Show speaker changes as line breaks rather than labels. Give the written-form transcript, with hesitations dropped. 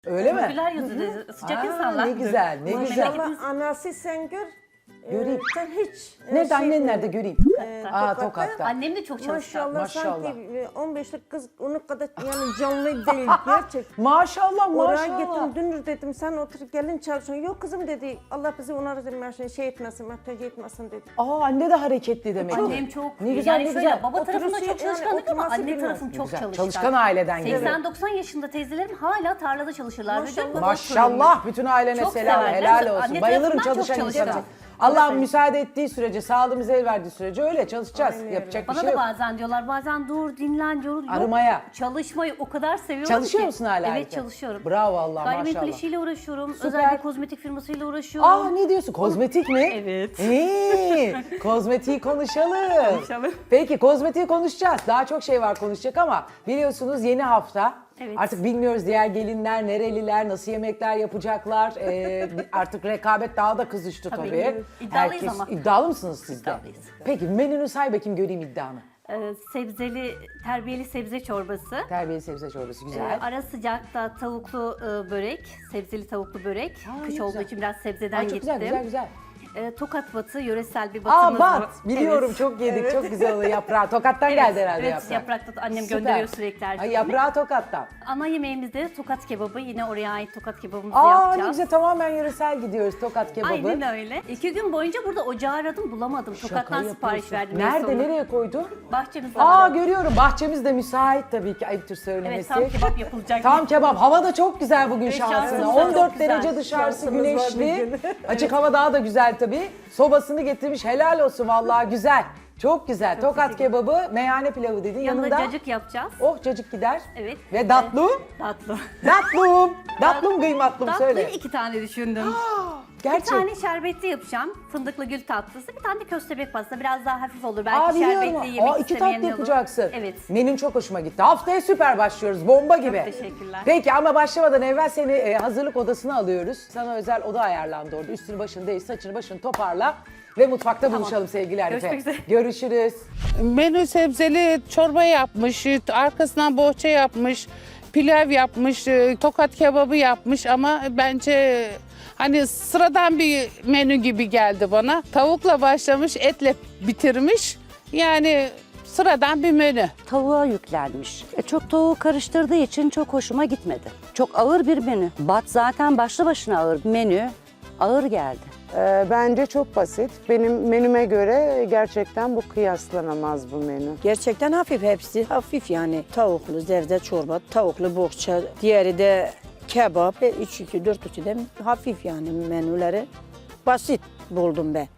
Öyle mi?
Güler yüzlü, sıcak
Aa,
insanlar.
ne güzel, ne güzel.
Maşallah anası sen gör.
Göreyim.
Sen hiç.
Nerede annen nerede göreyim? Aa, Tokat'ta.
Annem de çok çalışkan.
Maşallah,
Maşallah.
sanki 15'lik kız onun kadar yani canlı değil gerçek.
Maşallah
Oraya
maşallah.
gittim dünür dedim sen otur gelin çalışıyorsun. Yok kızım dedi Allah bizi onlara dedim şey etmesin, muhtaç etmesin dedi.
Aa, anne de hareketli demek ki.
Annem çok,
Ne güzel,
yani
ne
şöyle
güzel.
baba tarafında
Oturusu
çok
yani
çalışkanlık ama
oturması
anne
bilmez.
tarafım çok
Güzel,
çalışkan.
çalışkan aileden geliyor.
80-90 yaşında teyzelerim hala tarlada çalışırlar.
Maşallah bütün ailene
Çok
selam,
severler.
helal olsun.
Anne
Bayılırım
tarafından çok
çalışan insana.
çalışkan.
Allah'ım müsaade ettiği sürece, sağlığımız el verdiği sürece öyle çalışacağız.
Aynen öyle.
Yapacak bir
Bana
şey
da
yok.
bazen diyorlar, bazen dur, dinlen, yorul. Yok,
Arımaya.
çalışmayı o kadar seviyorum
Çalışıyor
ki.
musun hala?
Evet,
erken?
çalışıyorum.
Bravo Allah
Gayrimenkul
maşallah.
işiyle uğraşıyorum.
Süper.
Özel bir kozmetik firmasıyla uğraşıyorum.
Aa, ne diyorsun? Kozmetik mi?
Evet.
Kozmetiği konuşalım. Peki kozmetiği konuşacağız. Daha çok şey var konuşacak ama biliyorsunuz yeni hafta.
Evet.
Artık bilmiyoruz diğer gelinler, nereliler, nasıl yemekler yapacaklar. Artık rekabet daha da kızıştı tabii.
Tabii. İddialıyız ama.
İddialı mısınız siz de?
İddialıyız.
Peki menünü say bakayım göreyim iddianı.
Sebzeli, terbiyeli sebze çorbası.
Terbiyeli sebze çorbası güzel.
Ara sıcakta tavuklu börek, sebzeli tavuklu börek.
Aa,
Kış
ne
olduğu
güzel.
için biraz sebzeden
Aa, çok
gittim.
güzel.
Tokat batı, yöresel bir
Aa,
batımız var.
bat. Biliyorum,
Evet.
çok yedik. Çok güzel oluyor yaprağı. Tokat'tan geldi herhalde
evet,
yaprağı.
yaprakta da annem
Süper.
gönderiyor sürekli her
Ay,
şeyini.
yaprağı Tokat'tan.
Ana yemeğimizde tokat kebabı. Yine oraya ait tokat kebabımızı
Aa,
yapacağız.
ne güzel, tamamen yöresel gidiyoruz Tokat kebabı.
Aynen öyle. 2 gün boyunca burada ocağı aradım, bulamadım.
Şaka
Tokat'tan sipariş
yapıyorsun.
verdim. en
Nerede,
sonunda.
nereye koydun?
Bahçemizde.
Aa, görüyorum. Bahçemiz de müsait tabii ki. Ayıptır
Evet,
söylemesi.
tam kebap yapılacak.
Tam kebap. Hava da çok güzel bugün
Evet,
şansına.
şansımız da
14
çok güzel.
derece dışarısı
Şansımız var
güneşli.
bugün.
Açık hava daha da güzel tabii. Sobasını getirmiş. Helal olsun vallahi güzel. Çok güzel. Tokat
teşekkür ederim.
kebabı, meyhane pilavı dedin.
Yanında
Yanında
cacık yapacağız.
oh cacık gider.
Evet.
Ve tatlı.
Tatlı.
Tatlım kıymatlım söyle.
Tatlıyı 2 tane düşündüm. Bir
Gerçek.
tane şerbetli yapacağım. Fındıklı gül tatlısı. Bir tane de köstebek pastası. Biraz daha hafif olur. Belki
Aa, biliyorum.
şerbetli yemek
Aa, iki
istemeyen
tatlı
olur.
yapacaksın.
Evet.
Menün çok hoşuma gitti. Haftaya süper başlıyoruz. Bomba gibi.
teşekkürler.
Peki ama başlamadan evvel seni hazırlık odasına alıyoruz. Sana özel oda ayarlandı orada. Üstünü başını değil, saçını başını toparla. Ve mutfakta buluşalım sevgili Arife.
Görüşmek üzere.
Görüşürüz.
Menü sebzeli çorba yapmış, arkasından bohça yapmış, pilav yapmış, tokat kebabı yapmış ama bence hani sıradan bir menü gibi geldi bana. Tavukla başlamış, etle bitirmiş. Yani sıradan bir menü.
Tavuğa yüklenmiş. Çok tavuğu karıştırdığı için çok hoşuma gitmedi. Çok ağır bir menü. Bat zaten başlı başına ağır. Menü ağır geldi.
Bence çok basit. Benim menüme göre gerçekten bu kıyaslanamaz bu menü.
Gerçekten hafif hepsi. Hafif yani. Tavuklu zevze çorba, tavuklu bohça, diğeri de kebap. 3-2-4-2 de hafif yani menüleri. Basit buldum ben.